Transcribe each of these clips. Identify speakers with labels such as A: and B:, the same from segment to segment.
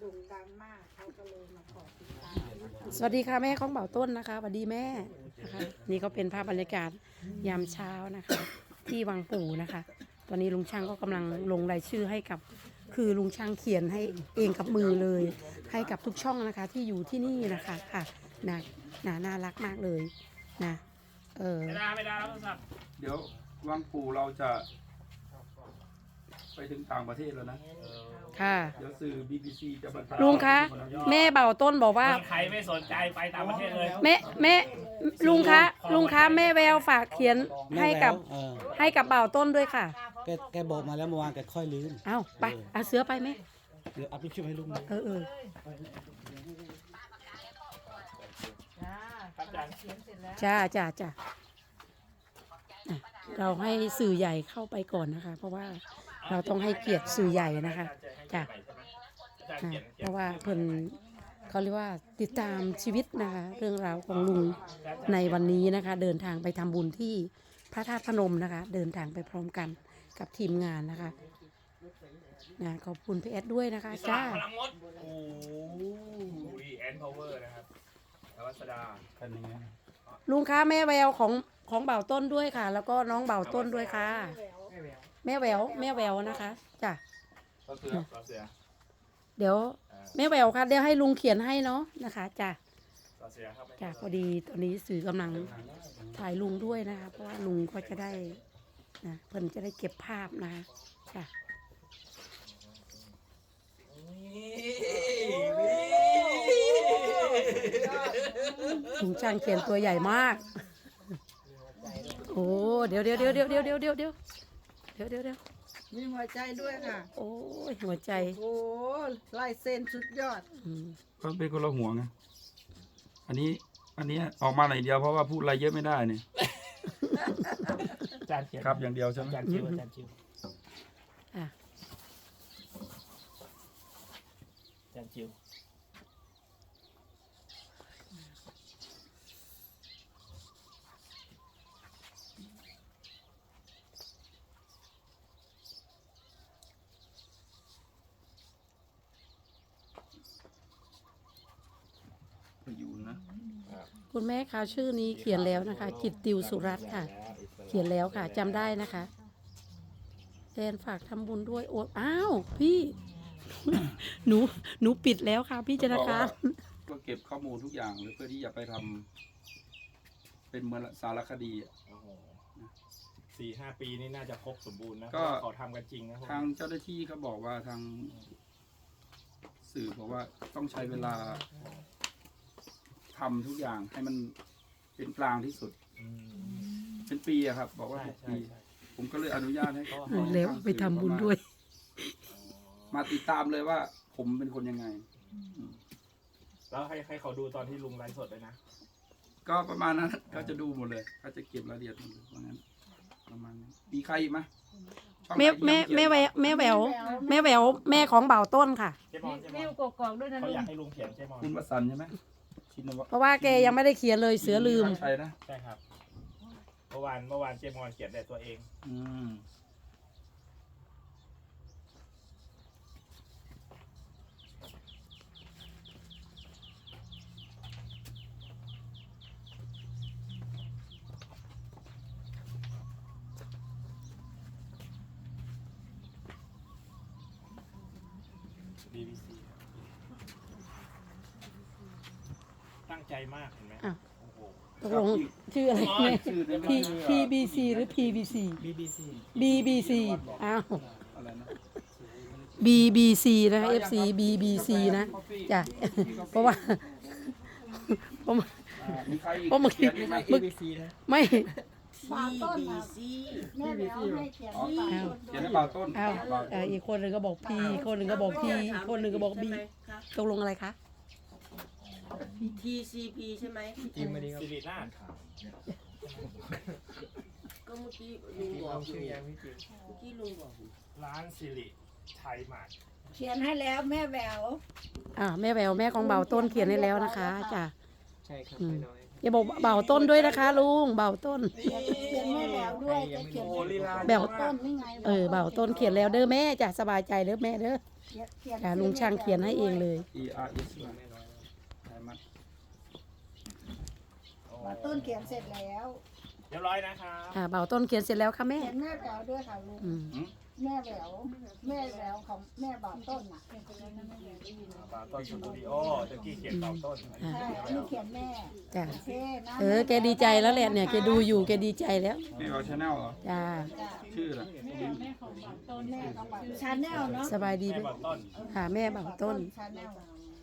A: ด่งดังมากเขาก็เลยมาขอติดตาม
B: สวัสดีค่ะแม่ของเบาต้นนะคะสวัสดีแม่นะคะนี่ก็เป็นภาพบรรยากาศยามเช้านะคะ ที่วังปู่นะคะ ตอนนี้ลุงช่างก็กำลังลงรายชื่อให้กับคือลุงช่างเขียนให้เองกับมือเลย ให้กับทุกช่องนะคะที่อยู่ที่นี่นะคะค่ะน่ารักมากเลยนะ
C: ไม่ได้แล้วโทรศัพท์
D: เดี๋ยววังปู่เราจะไปถึงต่างประเทศแล้วนะ
B: ค่ะ
D: เดี๋ยวสื่อ BBC จะมาถ่าย
B: ลุงคะแม่เบาต้นบอกว่า
C: ใครไม่สนใจไปต่างประเทศเลย
B: แม่ลุงคะแม่แววฝากเขียนให้กับเบาต้นด้วยค่ะ
E: แกบอกมาแล้วเมื่อวานแกค่อยลืม
B: เอาไปเอาเสือไปไหม
E: เดี๋ยวอัพรูปชื่อให้ลุงดู
C: ครับอาจารย์
B: จ้าอ่ะเราให้สื่อใหญ่เข้าไปก่อนนะคะ เพราะว่าเราต้องให้เกียรติสื่อใหญ่นะคะจ้ะเพราะว่าเพิ่นเขาเรียกว่าติดตามชีวิตนะคะ เรื่องราวของลุงในวันนี้นะคะ เดินทางไปทำบุญที่พระธาตุพนมนะคะ เดินทางไปพร้อมกันกับทีมงานนะคะนะขอบคุณพี่แอดด้วยนะคะจ้า
C: พลังมดโอ้ยแอนพาวเวอร์นะครับนวัสดา
D: กันอย่างเงี้ย
B: ลุงคะแม่แววของเบาต้นด้วยค่ะ แล้วก็น้องเบาต้นด้วยค่ะ แม่แววนะคะจ้ะ
D: ก็คือ
C: ต่อเสือ
B: เดี๋ยวแม่แววค่ะเดี๋ยวให้ลุงเขียนให้เนาะนะคะจ้ะ
C: ต่อเสือครับ
B: จ้ะพอดีตอนนี้สื่อกำลังถ่ายลุงด้วยนะคะ เพราะว่าลุงก็จะได้นะเพิ่นจะได้เก็บภาพนะคะจ้ะลุงช่างเขียนตัวใหญ่มากโอ้เดี๋ยว
A: มีหัวใจด้วยค่ะ
B: โอ้ยหัวใจ
A: โอ้ลายเส้นสุดยอด
B: อืม
D: ก็เป็นคนละหัวไงอันนี้ออกมาหน่อยเดียวเพราะว่าพูดอะไรเยอะไม่ได้เนี่ย
C: อาจารย์เขียน
D: ครับอย่างเดียวใช่ไหม
C: อาจารย์ชิวอาจารย์ชิว
B: อ่ะ
C: อาจารย์ชิว
D: อยู่นะ
B: คุณแม่คะชื่อนี้เขียนแล้วนะคะ จิตติวสุรัตน์ค่ะ เขียนแล้วค่ะจำได้นะคะแทนฝากทำบุญด้วยโอ้อ้าวพี่ หนูปิดแล้วค่ะพี่ธนาคาร
D: ก็เก็บข้อมูลทุกอย่างเลยเพื่อที่จะไปทำเป็นเหมือนสารคดีอะ
C: โอ้โห4-5 ปีนี่น่าจะครบสมบูรณ์นะ
D: ก็
C: เพราะว่าเขาทำกันจริงนะพวก
D: ทาง
C: นี้
D: เจ้าหน้าที่เขาบอกว่าทางสื่อบอกว่าต้องใช้เวลาทำทุกอย่างให้มันเป็นกลางที่สุด
C: อืม
D: เป็นปีอะครับ บอกว่า
C: ใช่
D: 6
C: ใช่
D: ปี
C: ใช่
D: ผมก็เลยอนุญาตให้เขา
B: แล้วไปทำบุญด้วย
D: มาติดตามเลยว่า ผมเป็นคนยังไง
C: แล้วให้เขาดูตอนที่ลุงไลฟ์สดเลยนะ
D: ก็ประมาณนั้นเขาจะดูหมดเลยเขาจะเก็บรายละเอียดหมดเลยเพราะงั้นประมาณนั้นมีใครอีกไหมช่องไหน
B: แม่
D: ที่ยัง
B: แม่
D: เขียน
B: แม่แววแม่ของเบาต้นค่ะ
C: เจ๊มอนเจ๊ม
A: วิ
C: อ
A: วน กอกๆด้วยนะ
C: เขา
A: ลุ
C: อง ยากให้ลุงเขียนเจ๊มอน
D: คุณวสันต์ใช่ไหมชินวัฒน์
B: เพราะว่าแกยังไม่ได้เขียนเลยเสือลืม
D: ใช่นะ
C: ใช่ครับ เมื่อวานเจ๊มอนเขียนแต่ตัวเอง
D: อืม
C: BBC ตั้งใจมากเห็นไหม
B: อ้าว
C: โอ้โห
B: ตกลงชื่ออะไรแม่
D: ชื่อใน
B: PBC หรือ PVC
C: BBC
B: BBC อ้าว
D: อะไรนะ
B: BBC นะคะ FC BBC นะจ้ะ เพราะว่าผม
D: มีใครอีก
B: เพราะเมื่อกี้
D: เขียนไหม
B: ไม่
A: ฝากต้นค่ะแม่แววให้เขียน
D: อ๋อ
A: ฝาก
B: อ้าว
A: ต้น
D: เขียนให้เบาต้น
B: อ้าวอีกคนหนึ่งก็บอก P อีกคนหนึ่งก็บอก P อีกคนหนึ่งก็บอก B ตกลงอะไรคะ
F: TCP ใช่ไหม
C: สิรินาถ
F: ก็เมื่อกี้ลุงบอกอยู่เมื่อกี้ลุงบอกอยู่
C: ร้านสิริไทยมาร์ท
A: เขียนให้แล้วแม่แวว
B: แม่แววแม่ของเบาต้นเขียนให้แล้วนะคะจ้ะ
E: ใช่ครับ
B: อืม
E: น้อย
B: อย่าบอกเบาต้นด้วยนะคะลุงเบาต้น
A: เขียนแม่แววด้วยจะเขียน
C: โอ้ลีลา
B: แบบ
A: ต้นนี่ไง
B: เบาต้นเขียนแล้วเด้อแม่จ้ะสบายใจเด้อแม่เด้อลุงช่างเขียนให้เองเลย
D: ERS มาไทยมัด
A: มาต้นเขียนเสร็จแล้ว
C: เรียบร้อยนะครับ
B: เบาต้นเขียนเสร็จแล้วค่ะแม่
A: เขียนแม่แหววด้วยค่ะลุง
B: อืม
A: แม่แหววของแม่บ่าวต้นน่ะ
C: บาต้นสตูดิโอตะกี้เขียนเบาต้น
A: ใช่อันนี้เขียนแม่
B: จ้ะ
A: โอเคนะ
B: แกดีใจแล้วแหละเนี่ยแกดูอยู่แกดีใจแล้ว
D: แม่เอาชาแนลเหรอ
B: จ้า
D: ชื่ออะไร
A: แม่ของชาแนลเนาะ
B: สบายดี
C: แม่
B: ด้วย
C: เบาต้น
B: ค่ะแม่เบาต้น
A: ชาแนล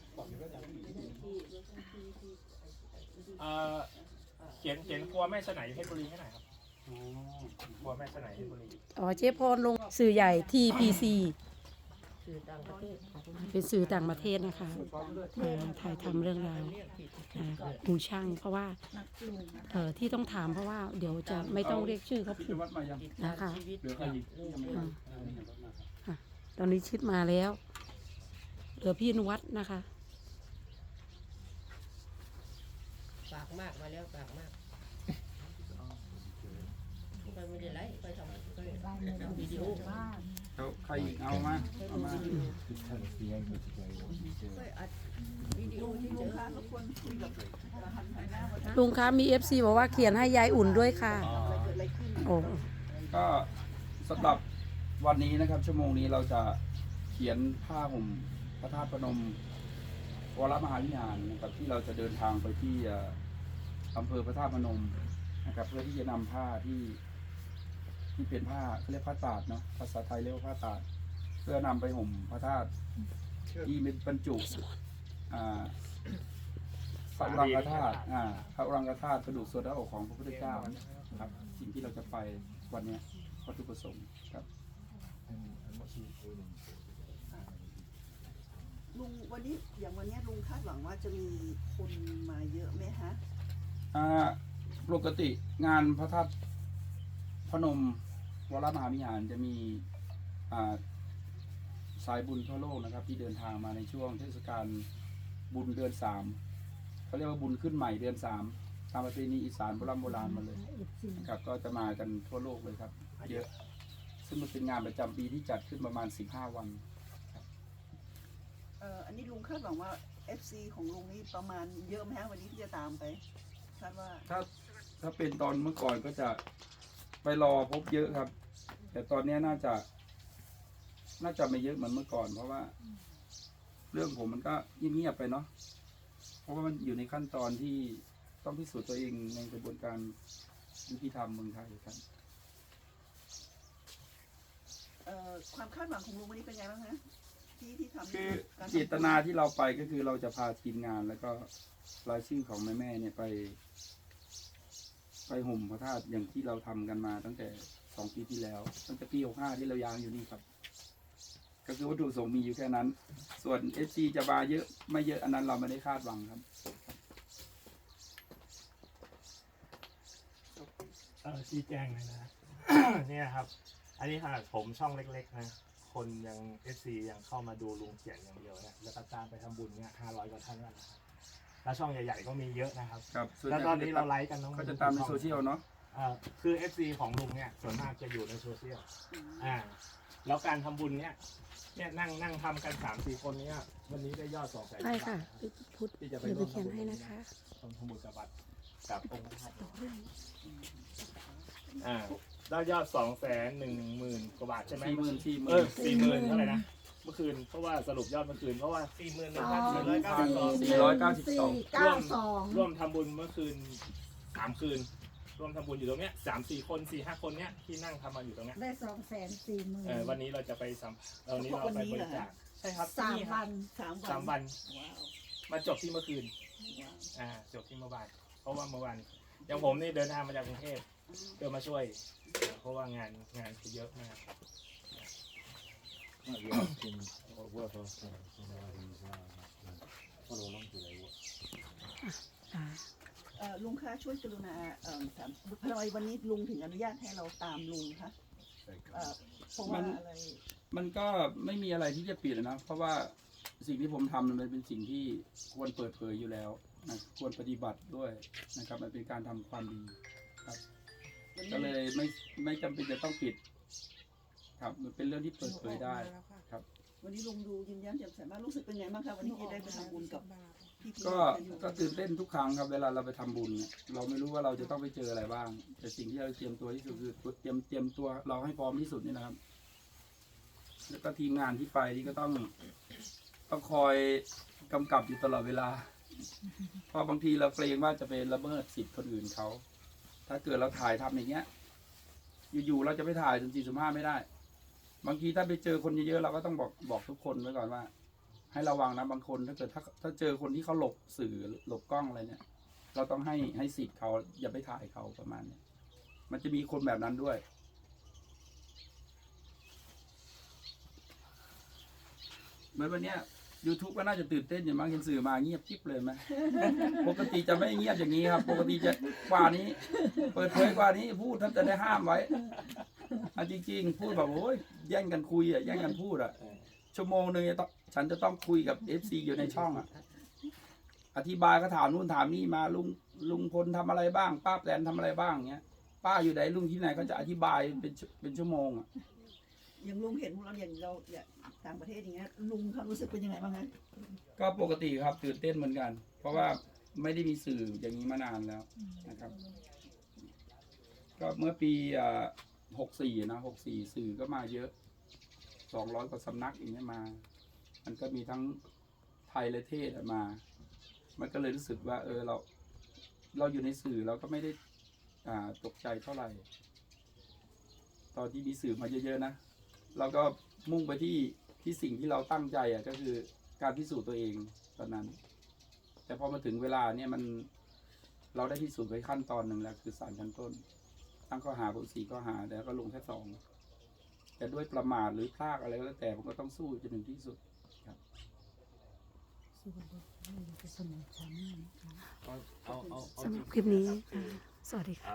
C: เขียนครัวแม่สนายเพชรบุรีให้หน่อยครับครัวแม่สนายเพชรบุรี
B: อ๋อเจ๊พรลงสื่อใหญ่ TPC เป็นสื่อต่างประเทศนะคะถ่ายทำเรื่องราวลุงช่างเพราะว่าที่ต้องถามเพราะว่าเดี๋ยวจะไม่ต้องเรียกชื่อเขา
D: พิ
B: ผิ
D: จ
B: ด
D: วัตรมายัง
B: นะคะ
D: เหลือใครอีกยังไม่มา
B: ตอนนี้ชิดมาแล้วเหลือพี่นวัดนะคะ
F: ฝากมากมาแล้วฝากมากไปไม่ได้ไลฟ์ไปทำวิดีโอ
D: แล้วใครอีกเอามาเอามา
F: ไปอัดวิดีโอที่เจอ
B: ลุงคะมี FC บอกว่าเขียนให้ยายอุ่นด้วยค่ะโอ้
D: ก็สำหรับวันนี้นะครับ ชั่วโมงนี้เราจะเขียนผ้าห่มพระธาตุพนมวรมหาวิหารนะครับที่เราจะเดินทางไปที่อำเภอพระธาตุพนมนะครับ เพื่อที่จะนำผ้าที่เป็นผ้าเขาเรียกผ้าตาดเนาะภาษาไทยเรียกว่าผ้าตาด เพื่อนำไปห่มพระธาตุที่เป็นบรรจุพระอุรังคธาตุพระอุรังคธาตุกระดูกส่วนหน้าอกของพระพุทธเจ้าครับสิ่งที่เราจะไปวันนี้วัตถุประสงค์ครับ
G: ลุงวันนี้อย่างวันนี้ลุงคาดหวังว่าจะมีคนมาเยอะไหมฮะ
D: ปกติงานพระธาตุพนมวรมหาวิหารจะมีสายบุญทั่วโลกนะครับ ที่เดินทางมาในช่วงเทศกาลบุญเดือน3เขาเรียกว่าบุญขึ้นใหม่เดือน3ตามประเพณีอีสานโบราณมาเลยนะครับก็จะมากันทั่วโลกเลยครับเยอะซึ่งมันเป็นงานประจำปีที่จัดขึ้นประมาณ15 วัน
G: อันนี้ลุงคาดหวังว่า FC ของลุงนี่ประมาณเยอะไหมฮะวันนี้ที่จะตามไปคาดว่า
D: ถ้าเป็นตอนเมื่อก่อนก็จะไปรอพบเยอะครับ แต่ตอนนี้น่าจะไม่เยอะเหมือนเมื่อก่อน เพราะว่า เรื่องผมมันก็เงียบๆไปเนาะเพราะว่ามันอยู่ในขั้นตอนที่ต้องพิสูจน์ตัวเองในกระบวนการยุติธรรมเมืองไทยครับ
G: ความคาดหวังของลุงวันนี้เป็นไงบ้างฮะที่ทำ
D: คือเจตนาที่เราไปก็คือเราจะพาทีมงานแล้วก็รายชื่อของแม่ๆเนี่ยไปห่มพระธาตุอย่างที่เราทำกันมาตั้งแต่2 ปีที่แล้วตั้งแต่ปี65ที่เรายางอยู่นี่ครับ ก็คือวัตถุประสงค์มีอยู่แค่นั้น ส่วน FC จะมาเยอะไม่เยอะอันนั้นเราไม่ได้คาดหวังครับ
C: ชี้แจงเลยนะ เนี่ยครับ อันนี้ขนาดผมช่องเล็กๆนะคนยังFCยังเข้ามาดูลุงเขียนอย่างเดียวนะแล้วก็ตามไปทำบุญเนี่ย500 กว่าท่านแล้วนะครับแล้วช่องใหญ่ๆก็มีเยอะนะครับ
D: ครับส่วน
C: แล้วตอนนี้เราไลฟ์กันน้อง
D: ก็จะตามในโซเชียลเนาะ
C: คือ FC ของลุงเนี่ยส่วนมากจะอยู่ในโซเชียลแล้วการทำบุญเนี่ยนั่งทำกัน 3-4 คนเนี้ยวันนี้ได้ยอด200,000
B: ใช่ค่ะพุทธ
C: ที่จะไป
B: เดี๋ยวไป
C: ร่วม
B: เขียนให้นะคะ
C: ทำบุญกับวัดกับองค์พระธาตุได้ยอด210,000 กว่าบาทใช่ไหม 40,000เท่าไหร่นะเมื่อคืนเพราะว่าสรุปยอดเมื่อคืนเพราะว่า ร่วมทำบุญเมื่อคืน3 คืนร่วมทำบุญอยู่ตรงเนี้ย3-4 คน 4-5 คนเนี้ยที่นั่งทำมาอยู่ตรงเนี้ย
A: ได้240,000
C: วันนี้เราจะไปวันนี้เราไปบริจาคใช่ครับ
A: 3 วัน
C: 3 วันมาจบที่เมื่อคืนจบที่เมื่อวานเพราะว่าเมื่อวานอย่างผมนี่เดินทางมาจากกรุงเทพเพื่อมาช่วยเพราะว่างานคือเยอะมาก
G: ลุงคะช่วยกรุณาถามทำไมวันนี้ลุงถึงอนุญาตให้เราตามลุงคะเพราะว่าอะไร
D: มันก็ไม่มีอะไรที่จะปิดนะ เพราะว่าสิ่งที่ผมทำมันเป็นสิ่งที่ควรเปิดเผยอยู่แล้วนะควรปฏิบัติด้วยนะครับมันเป็นการทำความดีครับก็เลยไม่จำเป็นจะต้องปิดครับมันเป็นเรื่องที่เปิดเผยได้ครับ
G: วันนี้ลุงดูยิ้มแย้มแจ่มใสมากรู้สึกเป็นไงบ้างครับวันนี้ที่ได้ไปทำบุญกับพี่ๆ
D: ก็ตื่นเต้นทุกครั้งครับเวลาเราไปทำบุญเนี่ยเราไม่รู้ว่าเราจะต้องไปเจออะไรบ้าง แต่สิ่งที่เราเตรียมตัวที่สุดคือเตรียมตัวเราให้พร้อมที่สุดนี่นะครับ แล้วก็ทีมงานที่ไปนี่ก็ต้องคอยกำกับอยู่ตลอดเวลาเพราะบางทีเราเกรงว่าจะไปละเมิดสิทธิ์คนอื่นเขาถ้าเกิดเราถ่ายทำอย่างเงี้ยอยู่ๆเราจะไปถ่าย14-15ไม่ได้ บางทีถ้าไปเจอคนเยอะๆเราก็ต้องบอกทุกคนไว้ก่อนว่า ให้ระวังนะบางคนถ้าเกิดถ้าเจอคนที่เขาหลบสื่อหลบกล้องอะไรเนี่ย เราต้องให้สิทธิ์เขาอย่าไปถ่ายเขาประมาณนี้มันจะมีคนแบบนั้นด้วย เหมือนวันเนี้ย YouTube ก็น่าจะตื่นเต้นอย่างมากเห็นสื่อมาเงียบกิ๊บเลยไหม ปกติจะไม่เงียบอย่างนี้ครับ ปกติจะกว่านี้ เปิดเผยกว่านี้พูดท่านจะได้ห้ามไว้จริงๆพูดแบบโอ้ยแย่งกันคุยแย่งกันพูดชั่วโมงนึงฉันจะต้องคุยกับ FC อยู่ในช่องอธิบายก็ถามนู่นถามนี่มาลุงพลทำอะไรบ้างป้าแตนทำอะไรบ้างเงี้ยป้าอยู่ไหนลุงที่ไหนก็จะอธิบายเป็นชั่วโมง
G: อย่างลุงเห็นพวกเราอย่างเราอย่างต่างประเทศอย่างเงี้ยลุงความรู้สึกเป็นยังไงบ้างคะ
D: ก็ปกติครับตื่นเต้นเหมือนกัน เพราะว่าไม่ได้มีสื่ออย่างนี้มานานแล้วนะครับ ก็เมื่อปี64นะ64สื่อก็มาเยอะ200 กว่าสำนักอย่างนี้มา มันก็มีทั้งไทยและเทศมา มันก็เลยรู้สึกว่าเราอยู่ในสื่อเราก็ไม่ได้ตกใจเท่าไหร่ ตอนที่มีสื่อมาเยอะๆนะเราก็มุ่งไปที่สิ่งที่เราตั้งใจก็คือการพิสูจน์ตัวเองตอนนั้น แต่พอมาถึงเวลาเนี่ยเราได้พิสูจน์ไปขั้นตอนหนึ่งแล้วคือศาลชั้นต้นตั้งข้อหาผม4 ข้อหาแล้วก็ลงแค่2แต่ด้วยประมาทหรือพลาดอะไรก็แล้วแต่ผมก็ต้องสู้จนถึงที่สุดครับ
B: สำหรับคลิปนี้ค่ะสวัสดีค่ะ